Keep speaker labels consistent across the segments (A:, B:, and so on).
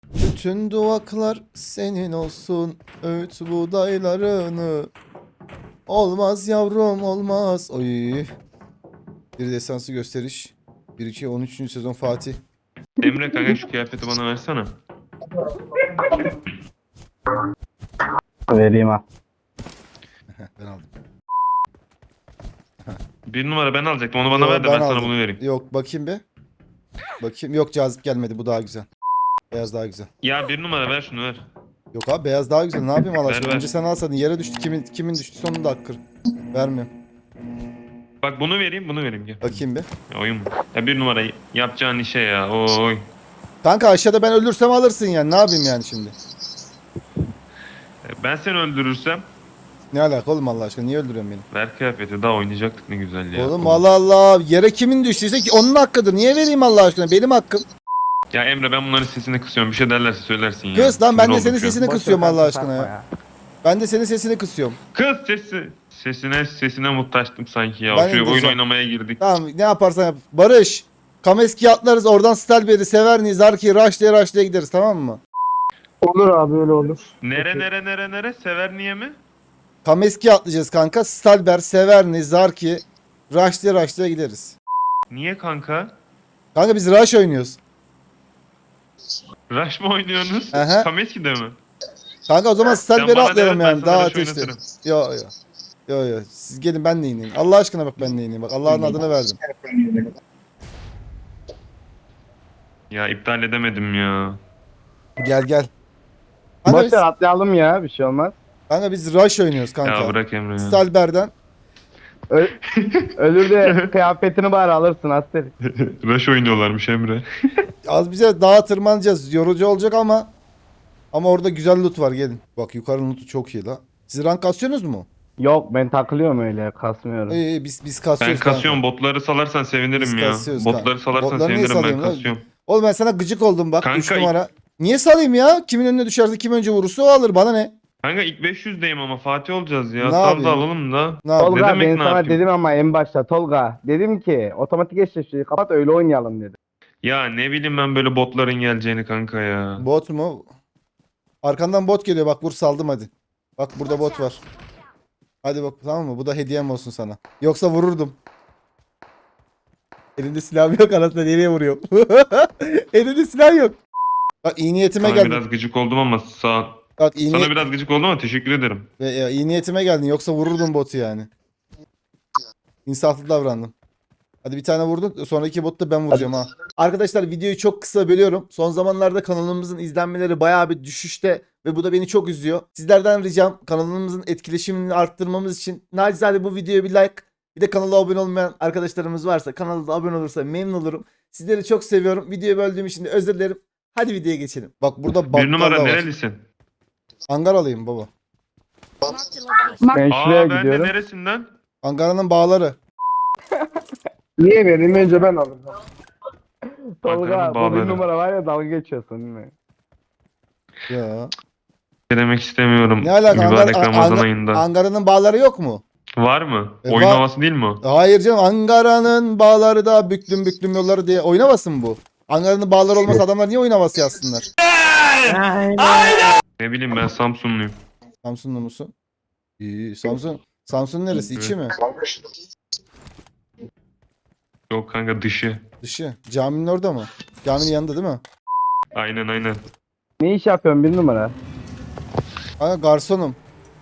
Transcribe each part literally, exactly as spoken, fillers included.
A: Bütün duvaklar senin olsun, öğüt buğdaylarını. Olmaz yavrum olmaz. Oy. Bir destansı gösteriş. bir iki on üçüncü sezon Fatih.
B: Emre kanka şu kıyafeti bana versene.
C: Vereyim ha.
A: Ben aldım.
B: Bir numara ben alacaktım onu bana
A: Yo,
B: ver de ben, sana
A: aldım.
B: bunu vereyim.
A: Yok bakayım bir. Bakayım. Yok cazip gelmedi. Bu daha güzel. Beyaz daha güzel.
B: Ya bir numara ver şunu ver.
A: Yok abi beyaz daha güzel. Ne yapayım Allah
B: Ver,
A: aşkına?
B: ver.
A: Önce sen alsadın. Yere düştü. Kimin kimin düştü sonunda hakkır. Vermiyorum.
B: Bak bunu vereyim bunu vereyim gel.
A: Bakayım bir.
B: Ya oyun mu? Ya bir numara yapacağın işe ya oy.
A: Kanka aşağıda ben ölürsem alırsın yani. Ne yapayım yani şimdi?
B: E, Ben seni öldürürsem
A: Ne alaka oğlum Allah aşkına? Niye öldürüyorsun beni?
B: ver kıyafeti daha oynayacaktık ne güzel ya.
A: Oğlum Allah Allah. Yere kimin düştüyse ki onun hakkıdır. Niye vereyim Allah aşkına? Benim hakkım.
B: Ya Emre ben bunların sesini kısıyorum bir şey derlerse söylersin ya.
A: Kız lan ben
B: Sinir
A: de
B: oldum
A: senin
B: şu an.
A: sesini
C: Boş
A: kısıyorum
C: ver,
A: Allah aşkına
C: takma
A: ya. Ben de senin sesini kısıyorum.
B: Kız sesi. Sesine sesine muhtaçtım sanki ya.
A: Ben
B: Şu oyun
A: indireceğim.
B: oynamaya girdik.
A: Tamam ne yaparsan yap. Barış. Kameski atlarız oradan Stelberry, Severni, Zarki, Raşlı'ya Raşlı'ya gideriz tamam mı?
C: Olur abi öyle olur.
B: Nere nere nere nere sever niye mi?
A: Kameski atlayacağız kanka. Stalber, Severni, Zarki, Raşlı'ya Raşlı'ya gideriz.
B: Niye kanka?
A: Kanka biz Rush oynuyoruz.
B: Rush mı oynuyorsunuz?
A: Aha.
B: Kameski'de mi?
A: Kanka o zaman Stalberry
B: bana
A: atlayalım
B: de ver, ben
A: yani
B: sana
A: daha
B: Rush
A: ateşli.
B: oynatırım.
A: Yo yo. Yo yo. Siz gelin ben de ineyim. Allah aşkına bak ben de ineyim. Bak Allah'ın adını verdim.
B: Ya iptal edemedim ya.
A: Gel gel. Kanka
C: Boş
A: biz,
C: ver atlayalım ya bir şey olmaz.
A: kanka biz Rush oynuyoruz kanka.
B: Ya bırak Emre ya.
A: Stalber'den.
C: Ö Ölür de kıyafetini bari alırsın Aster.
B: Rush oynuyorlarmış Emre.
A: Az bize dağa tırmanacağız. Yorucu olacak ama ama orada güzel loot var gelin. Bak yukarı loot'u çok iyi la. Siz rank kasıyorsunuz mu?
C: Yok ben takılıyorum öyle kasmıyorum.
A: İyi iyi biz biz
B: Ben
A: kasıyoruz
B: kasıyorum
A: kanka.
B: botları salarsan sevinirim
A: Biz
B: ya.
A: kasıyoruz
B: Botları
A: kanka.
B: salarsan
A: Botları niye
B: sevinirim ben
A: salayım lan?
B: kasıyorum.
A: Oğlum ben sana gıcık oldum bak
B: Kanka,
A: üç numara. Niye salayım ya? Kimin önüne düşerse kim önce vurursa o alır bana ne?
B: Kanka ilk beş yüzdeyim ama Fatih olacağız ya.
A: Ne
B: Sal
A: yapayım?
B: da alalım da.
A: Ne yapayım?
C: Tolga
B: demek
C: ben
B: ne
C: sana
B: yapayım?
C: dedim ama en başta Tolga. Dedim ki otomatik eşleşmeyi kapat öyle oynayalım dedim.
B: Ya ne bileyim ben böyle botların geleceğini kanka ya.
A: Bot mu? Arkandan bot geliyor bak vur saldım hadi. Bak burada bot var. Hadi bak tamam mı? Bu da hediyem olsun sana. Yoksa vururdum. Elinde silah yok anasını nereye vuruyor? Elinde silah yok. Bak iyi niyetime
B: Sana
A: geldin.
B: biraz gıcık oldum ama sağ...
A: Bak iyi,
B: Sana
A: niyet-
B: biraz gıcık oldum ama teşekkür ederim.
A: Ve ya, iyi niyetime geldin. Yoksa vururdum botu yani. İnsaflı davrandım. Hadi bir tane vurdun. Sonraki botu da ben vuracağım ha. Arkadaşlar videoyu çok kısa bölüyorum. Son zamanlarda kanalımızın izlenmeleri bayağı bir düşüşte. Ve bu da beni çok üzüyor. Sizlerden ricam kanalımızın etkileşimini arttırmamız için nacizane bu videoya bir like. Bir de kanala abone olmayan arkadaşlarımız varsa kanala da abone olursa memnun olurum. Sizleri çok seviyorum. Videoyu böldüğüm için de özür dilerim. Hadi videoya geçelim. Bak burada bakkal
B: Bir numara
A: da var.
B: nerelisin?
A: Angaralıyım baba.
C: Ben şuraya
B: Aa ben de
C: gidiyorum.
B: neresinden?
A: Ankara'nın bağları.
C: Niye vereyim önce ben alırım. Tolga
B: Ankara'nın
C: bu
B: bağları.
C: bir numara var ya dalga geçiyorsun değil mi?
A: Ya.
B: Ne demek istemiyorum.
A: Ne alaka?
B: Mübarek
A: Ankara-
B: Ramazan
A: Ankara-
B: ayında.
A: Ankara'nın bağları yok mu?
B: Var mı?
A: E,
B: Oyun
A: var.
B: havası değil mi o?
A: Hayır canım Ankara'nın bağları da büklüm büklüm yolları diye oynamasın bu. Ankara'nın bağları olmasa adamlar niye oyun havası yazsınlar?
B: Ne bileyim ben Samsunluyum.
A: Samsunlu musun? İyi Samsun. Samsun neresi? İçi mi?
B: Yok kanka dışı.
A: Dışı. Caminin orada mı? Caminin yanında değil mi?
B: Aynen aynen.
C: Ne iş yapıyorsun bir numara?
A: Ha garsonum.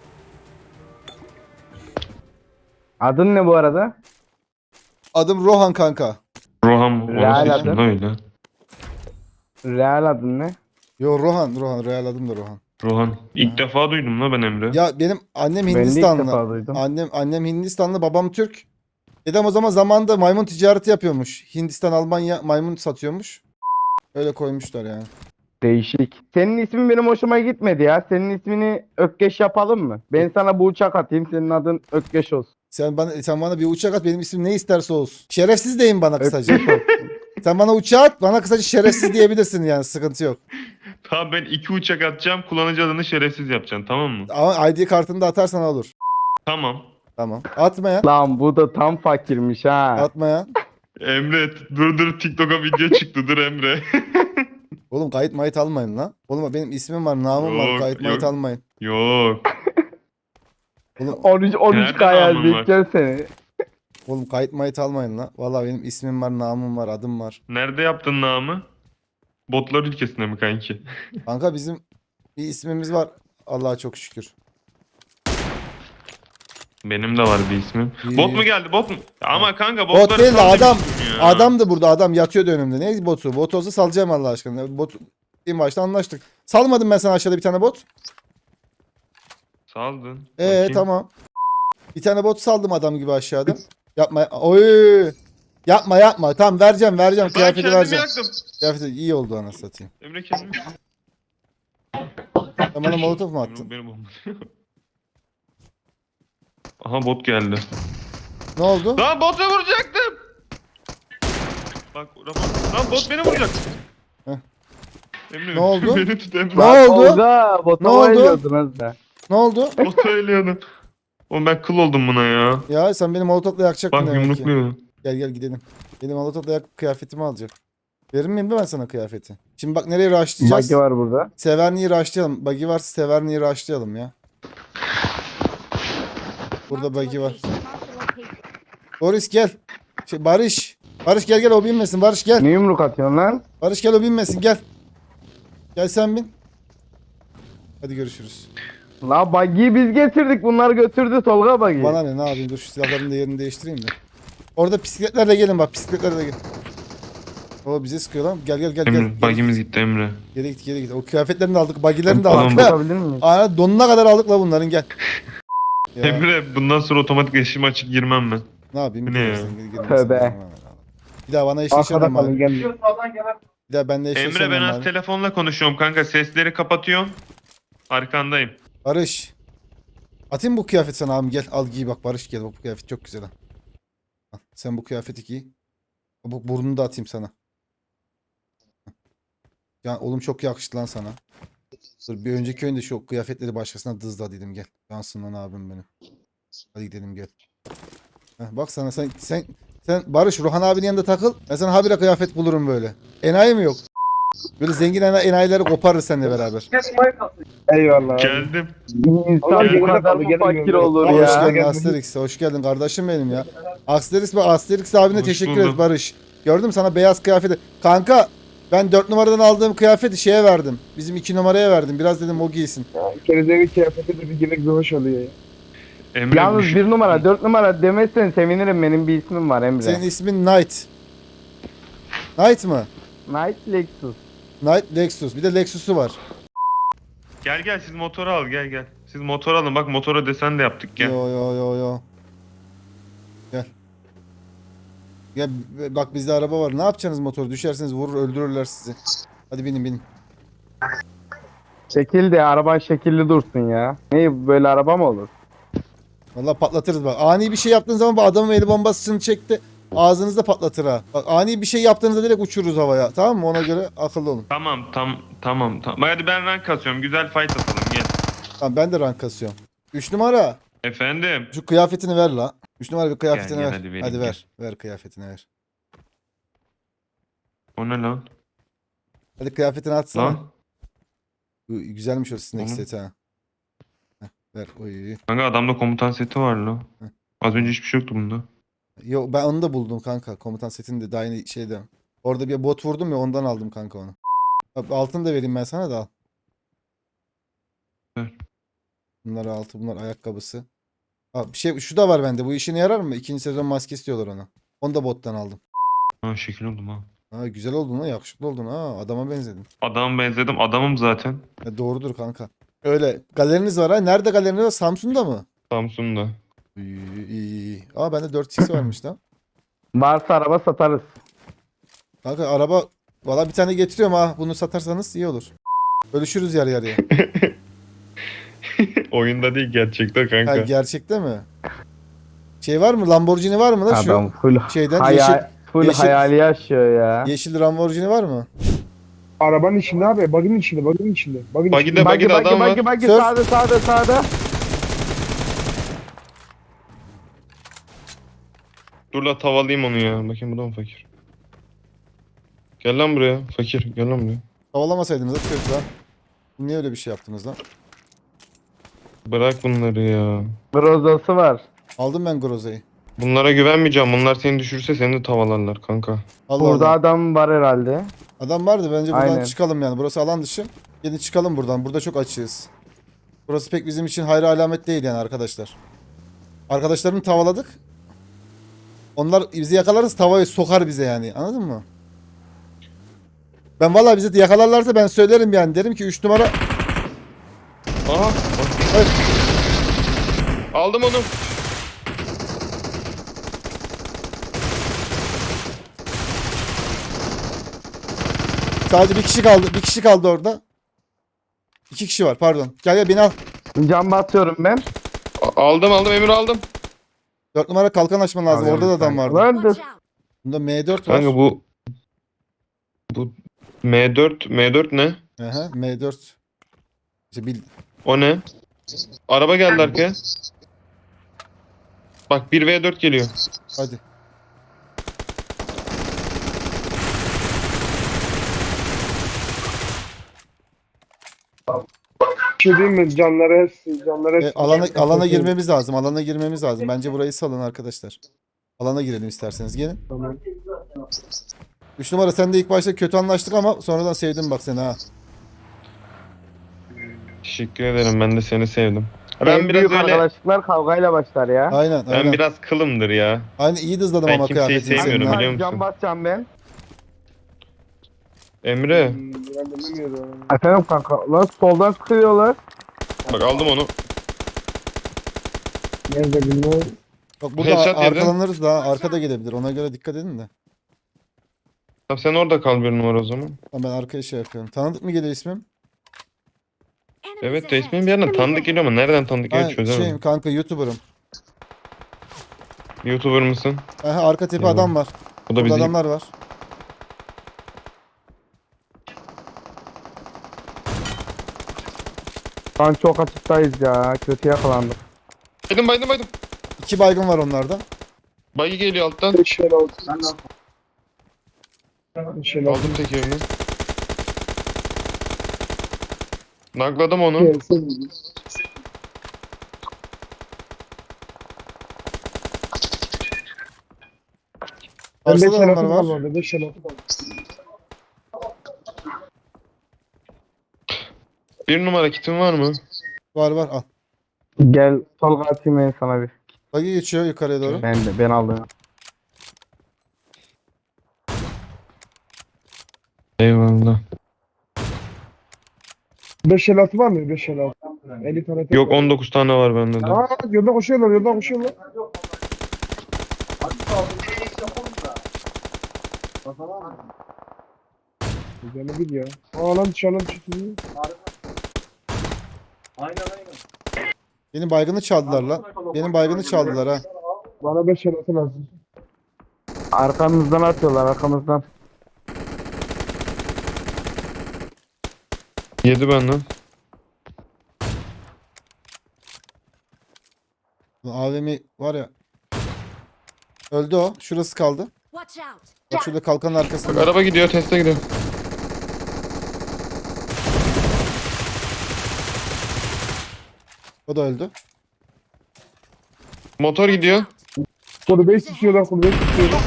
C: Adın ne bu arada?
A: Adım Rohan kanka.
B: Rohan
C: Real
B: orası
C: adı.
B: için öyle.
C: Real adın ne?
A: Yo Rohan. Rohan. Real adım da Rohan.
B: Rohan. İlk defa duydum la ben Emre.
A: Ya benim annem
C: Ben de ilk
A: Hindistanlı.
C: defa duydum.
A: Annem annem Hindistanlı, babam Türk. Dedem o zaman zamanında maymun ticareti yapıyormuş. Hindistan, Almanya maymun satıyormuş. Öyle koymuşlar yani.
C: Değişik. Senin ismin benim hoşuma gitmedi ya. Senin ismini Ökkeş yapalım mı? Ben sana bu uçak atayım. Senin adın Ökkeş olsun.
A: Sen bana sen bana bir uçak at benim ismim ne isterse olsun. Şerefsiz deyin bana kısaca.
C: Ökkeş olsun.
A: Sen bana uçağı at bana kısaca şerefsiz diyebilirsin yani sıkıntı yok.
B: Tamam ben iki uçak atacağım. Kullanıcı adını şerefsiz yapacaksın tamam mı?
A: Ama I D kartını da atarsan olur.
B: Tamam.
A: Tamam. Atma ya.
C: Lan bu da tam fakirmiş ha.
A: Atma ya.
B: Emre dur dur TikTok'a video çıktı dur Emre.
A: Oğlum kayıt mayıt almayın lan. Oğlum benim ismim var, namım var.
B: Yok,
A: Kayıt mayıt
B: yok.
A: almayın.
B: Yok.
A: Oğlum,
C: on üç on üç
B: Nerede
C: K
B: namın var?
C: yazacağım seni.
A: oğlum kayıt mayıt almayın lan. Vallahi benim ismim var, namım var, adım var.
B: Nerede yaptın namı? Botlar ülkesinde mi kanki?
A: Kanka bizim bir ismimiz var. Allah'a çok şükür.
B: Benim de var bir ismim.
A: İyi.
B: Bot mu geldi? Bot mu? Ama kanka
A: Bot
B: botları
A: değil de
B: sal
A: adam.
B: demiştim ya.
A: Adam da burada, adam yatıyordu önümde. Ne botu? Bot olsa salacağım Allah aşkına. Bot en başta anlaştık. Salmadım ben sana aşağıda bir tane bot.
B: Saldın.
A: Ee
B: Bakayım.
A: tamam. Bir tane bot saldım adam gibi aşağıda. Yapma. Oy. Yapma yapma. Tamam vereceğim vereceğim.
B: Ben
A: Kıyafeti
B: kendimi
A: vereceğim.
B: yaktım.
A: Kıyafeti iyi oldu anasını satayım.
B: Emre kendimi
A: Sen bana molotof mu attın?
B: Emre beni bombalıyor. Aha bot geldi.
A: Ne oldu?
B: Lan bota vuracaktım. Bak Ramon. Lan bot beni vuracak.
A: Heh.
B: Emre
A: Ne oldu?
B: beni tut Emre.
A: Ne oldu?
C: Tolga, bota
A: Ne oldu?
C: bayılıyordun az da.
A: Ne oldu?
B: Bota ölüyordum. Oğlum ben kıl oldum buna ya.
A: Ya sen beni molotofla yakacaktın
B: Bak
A: demek ki.
B: yumrukluyor.
A: Gel gel gidelim. Benim molotofla yakıp kıyafetimi alacak. Verir miyim de ben sana kıyafeti? Şimdi bak nereye rushlayacağız?
C: Bagi var burada.
A: Severni'yi rushlayalım. Buggy varsa Severni'yi rushlayalım ya. Burada buggy var. Boris gel. Şey, Barış. Barış gel gel o binmesin. Barış gel.
C: Ne yumruk atıyorsun lan?
A: Barış gel o binmesin gel. Gel sen bin. Hadi görüşürüz.
C: La Bagi'yi biz getirdik. Bunlar götürdü Tolga Bagi.
A: Bana ne ne yapayım dur şu silahların da yerini değiştireyim de. Orada bisikletlerle gelin bak bisikletlerle gelin. O bize sıkıyor lan. Gel gel gel gel.
B: Emre
A: Geri,
B: bagimiz gitti Emre.
A: geri git geri git. O kıyafetlerini de aldık. Buggy'lerini de
B: Tamam,
A: aldık.
C: Bakabilir miyiz?
A: Aa, donuna kadar aldık la bunların gel. Ya,
B: Emre bundan sonra otomatik eşim açık girmem ben.
A: ne yapayım?
B: Bu ne ya?
A: Girersen gir, girmezsen
C: Tövbe.
A: girmem. Bir daha bana
C: Arkada
A: eşleşemem
C: kalın
A: abi.
C: gel.
A: Bir daha benimle
B: Emre
A: eşleşemem
B: ben az
A: abi.
B: telefonla konuşuyorum kanka. Sesleri kapatıyorum. Arkandayım.
A: Barış. Atayım bu kıyafet sana abim gel al giy bak Barış gel bak bu kıyafet çok güzel ha. Al, sen bu kıyafeti giy. Bu burnunu da atayım sana. Ya oğlum çok yakıştı lan sana. Dur bir önceki oyunda şu kıyafetleri başkasına dızla dedim gel. Yansın lan abim benim. Hadi gidelim gel. Heh, bak sana sen sen sen Barış Ruhan abinin yanında takıl. Ben sana habire kıyafet bulurum böyle. Enayi mi yok? Böyle zengin ena- enayileri koparırız seninle beraber.
C: Eyvallah. abi.
B: Geldim.
C: İnsan
B: Gel.
C: bu kadar mı fakir olur
A: Hoş
C: ya?
A: geldin Asterix. Hoş geldin kardeşim benim ya. Asterix ve Asterix abine
B: Hoş
A: teşekkür
B: buldum.
A: ederiz Barış. Gördüm sana beyaz kıyafeti. Kanka ben dört numaradan aldığım kıyafeti şeye verdim. Bizim iki numaraya verdim. Biraz dedim o giysin.
D: Kerizeli kıyafeti de bir girmek bir hoş oluyor ya.
B: Emre
C: Yalnız
B: bu-
C: bir numara, dört numara demezsen sevinirim. Benim bir ismim var Emre.
A: Senin ismin Knight. Knight mı?
C: Knight Lexus.
A: Knight Lexus. Bir de Lexus'u var.
B: Gel gel siz motoru al gel gel. Siz motor alın bak motora desen de yaptık gel.
A: Yo yo yo yo. Gel. Gel b- bak bizde araba var. Ne yapacaksınız motoru? Düşerseniz vurur öldürürler sizi. Hadi binin binin.
C: Şekil de araban şekilli dursun ya. Ne böyle araba mı olur?
A: Vallahi patlatırız bak. Ani bir şey yaptığın zaman bu adamın eli bombasını çekti. Ağzınızda patlatır ha. Bak ani bir şey yaptığınızda direkt uçururuz havaya. Tamam mı? Ona göre akıllı olun.
B: Tamam tam tamam tamam. Hadi ben rank kasıyorum. Güzel fight atalım gel.
A: Tamam ben de rank kasıyorum. üç numara.
B: Efendim.
A: Şu kıyafetini ver la. üç numara bir kıyafetini
B: Gel, gel,
A: ver.
B: hadi vereyim,
A: hadi
B: gel.
A: ver. Ver kıyafetini ver.
B: O ne lan?
A: Hadi kıyafetini atsana.
B: Lan.
A: Bu güzelmiş o sinek
B: Oğlum.
A: seti ha. Heh, ver. Oy.
B: Kanka adamda komutan seti var lan.
A: Heh.
B: Az önce hiçbir şey yoktu bunda.
A: Yo ben onu da buldum kanka. Komutan setini de daha yeni şeyde. Orada bir bot vurdum ya ondan aldım kanka onu. Bak, altını da vereyim ben sana da al.
B: Ver.
A: Bunlar altı bunlar ayakkabısı. Aa, bir şey şu da var bende. Bu işine yarar mı? İkinci sezon maskesi diyorlar ona. Onu da bottan aldım.
B: Ha şekil oldum ha.
A: Ha güzel oldun ha, yakışıklı oldun ha. Adama benzedin.
B: Adama benzedim. Adamım zaten.
A: Ya, doğrudur kanka. Öyle. Galeriniz var ha. Nerede galeriniz var? Samsun'da mı?
B: Samsun'da.
A: İyi iyi iyi. Aa bende dört x varmış lan.
C: Varsa araba satarız.
A: Kanka araba valla bir tane getiriyorum ha. Bunu satarsanız iyi olur. Bölüşürüz yarı yarıya.
B: Oyunda değil gerçekten kanka.
A: Ha, gerçekte mi? Şey var mı? Lamborghini var mı da şu?
C: Adam full
A: şeyden
C: hayal,
A: yeşil-
C: full
A: yeşil-
C: hayali yaşıyor ya.
A: Yeşil Lamborghini var mı?
D: Arabanın içinde abi, bug'ın içinde, bug'ın içinde. Bug'ın
B: Bug'ide
D: içinde.
B: bak-
C: Bagi
B: Bagide
C: bagi
B: adam var.
C: bagi bagi
A: Sür.
C: sağda sağda sağda.
B: Dur la tavalayayım onu ya. Bakayım bu da mı fakir? Gel lan buraya. Fakir gel lan buraya.
A: Havalamasaydınız da kötü lan. Niye öyle bir şey yaptınız lan?
B: Bırak bunları ya.
C: Grozası var.
A: Aldım ben Groza'yı.
B: Bunlara güvenmeyeceğim. Bunlar seni düşürse seni de tavalarlar kanka.
A: Allah
C: Burada
A: Allah.
C: adam var herhalde.
A: Adam vardı, bence buradan
C: Aynen.
A: çıkalım yani. Burası alan dışı. Gelin çıkalım buradan. Burada çok açığız. Burası pek bizim için hayra alamet değil yani arkadaşlar. Arkadaşlarını tavaladık. Onlar bizi yakalarız, tavayı sokar bize yani. Anladın mı? Ben vallahi bizi yakalarlarsa ben söylerim yani. Derim ki üç numara.
B: Aha.
A: Evet.
B: Aldım onu.
A: Sadece bir kişi kaldı. Bir kişi kaldı orada. İki kişi var, pardon. Gel gel beni al.
C: Cam basıyorum ben.
B: A- Aldım aldım Emir aldım.
A: Dört numara kalkan açman lazım.
C: Alıyorum
A: Orada da adam
C: kanka.
A: vardı.
C: Vardır.
E: Watch out!
A: Bunda M dört var.
B: Kanka bu bu M dört M dört ne?
A: Aha, M dört. İşte bil...
B: O ne? Araba geldi arkaya. Bak bir ve dört geliyor.
A: Hadi.
D: Bir şey diyeyim mi? Canları hepsi, canları
A: E,
D: hepsi.
A: alana alana girmemiz lazım. Alana girmemiz lazım. Bence burayı salın arkadaşlar. Alana girelim isterseniz. Gelin.
D: Tamam.
A: üç numara sen de ilk başta kötü anlaştık ama sonradan sevdim bak seni ha.
B: Teşekkür ederim. Ben de seni sevdim.
C: En
B: Ben biraz
C: büyük
B: öyle
C: arkadaşlıklar kavgayla başlar ya.
A: Aynen
B: ben
A: aynen.
B: biraz kılımdır ya.
A: Aynen iyi dızladım
B: Ben
A: ama
B: kimseyi
A: kıyafetini senin
B: sevmiyorum,
A: ha.
B: biliyor musun?
C: Cam basacağım ben.
B: Emre
D: Hmm, ben de bilmiyorum.
C: Efendim kanka. Lan soldan sıkıyorlar.
B: bak aldım onu.
D: Nerede bilmiyorum.
A: Bak burada
B: Headshot yedi.
A: arkalanırız da arkada gelebilir. Ona göre dikkat edin de.
B: Tamam sen orada kal bir numara o zaman.
A: Tamam, ben arkaya şey yapıyorum. Tanıdık mı geliyor ismim?
E: Enemies
B: Evet de
E: ahead.
B: ismin bir yerden tanıdık geliyor ama nereden tanıdık geliyor
A: Ben
B: çözemedim.
A: şeyim kanka, YouTuber'ım.
B: YouTuber mısın?
A: Aha, arka tepe
B: Eyvah.
A: adam var.
B: Bu da
A: Burada
B: bizi
A: adamlar var.
C: Şu an çok açıktayız ya. Kötü yakalandık.
B: Baydım baydım baydım.
A: İki baygın var onlarda.
B: Bayı geliyor alttan.
D: Beş el altı. Beş el altı.
B: Aldım tekerini. Nakladım onu.
D: Gelsin. Ben
A: Arsa
D: beş
A: da
D: el
A: adamlar
D: altı
A: var.
D: var. Beş el altı var.
B: Bir numara kitin var mı?
A: Var var al.
C: Gel sol atayım ben sana bir.
A: Bagi geçiyor yukarıya doğru.
C: Ben de ben aldım.
B: Eyvallah.
D: Beş el altı var mı? Beş el altı. elli tane tek
B: Yok
D: var.
B: on dokuz tane var bende de.
D: Aa, yolda koşuyorlar, yolda koşuyorlar. Güzel bir ya. Aa lan dışarıdan çıkıyor.
A: Benim baygını çaldılar lan. Benim baygını çaldılar ha.
D: Bana beş el altı lazım.
C: Arkamızdan atıyorlar arkamızdan.
B: Yedi benden.
A: A V M var ya. Öldü o. Şurası kaldı.
E: Watch out!
A: Bak şurada kalkanın
B: Bak
A: arkasında.
B: araba gidiyor teste gidiyor.
A: O da öldü.
B: Motor gidiyor.
D: Kulübeyi sıkıyorlar, kulübeyi sıkıyorlar.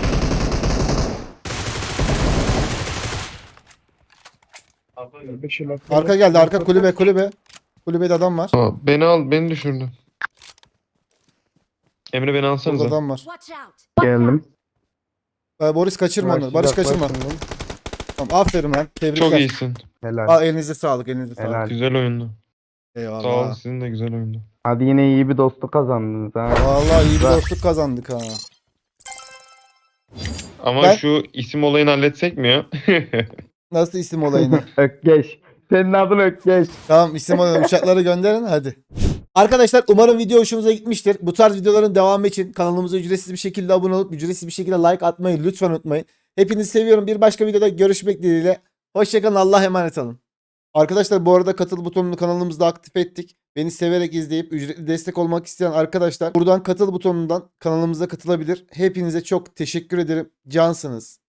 D: Beş el altı.
A: Arka geldi. Arka kulübe kulübe. Kulübede adam var.
B: Aa, beni al beni düşürdü. Emre beni
A: Burada
B: alsanıza.
A: adam var.
E: Watch out!
C: Geldim.
A: Ee, Boris kaçırma onu. Barış kaçırma.
C: Başlayacaklar
A: Tamam, aferin lan. Tebrikler.
B: Çok iyisin.
C: Helal.
A: Aa, elinize sağlık. Elinize sağlık.
C: Helal.
B: Güzel oyundu. Sağ olun
A: Eyvallah.
B: sizin de güzel oyundu.
C: Hadi yine iyi bir dostluk kazandınız ha.
A: Vallahi iyi bir
C: Güzel.
A: dostluk kazandık ha.
B: Ama
A: Ben-
B: şu isim olayını halletsek mi ya?
A: Nasıl isim olayını?
C: Ökkeş. Senin adın Ökkeş.
A: Tamam, isim olayını uçakları gönderin hadi. Arkadaşlar umarım video hoşunuza gitmiştir. Bu tarz videoların devamı için kanalımıza ücretsiz bir şekilde abone olup ücretsiz bir şekilde like atmayı lütfen unutmayın. Hepinizi seviyorum. Bir başka videoda görüşmek dileğiyle. Hoşçakalın. Allah'a emanet olun. Arkadaşlar bu arada katıl butonunu kanalımızda aktif ettik. Beni severek izleyip ücretli destek olmak isteyen arkadaşlar buradan katıl butonundan kanalımıza katılabilir. Hepinize çok teşekkür ederim. Cansınız.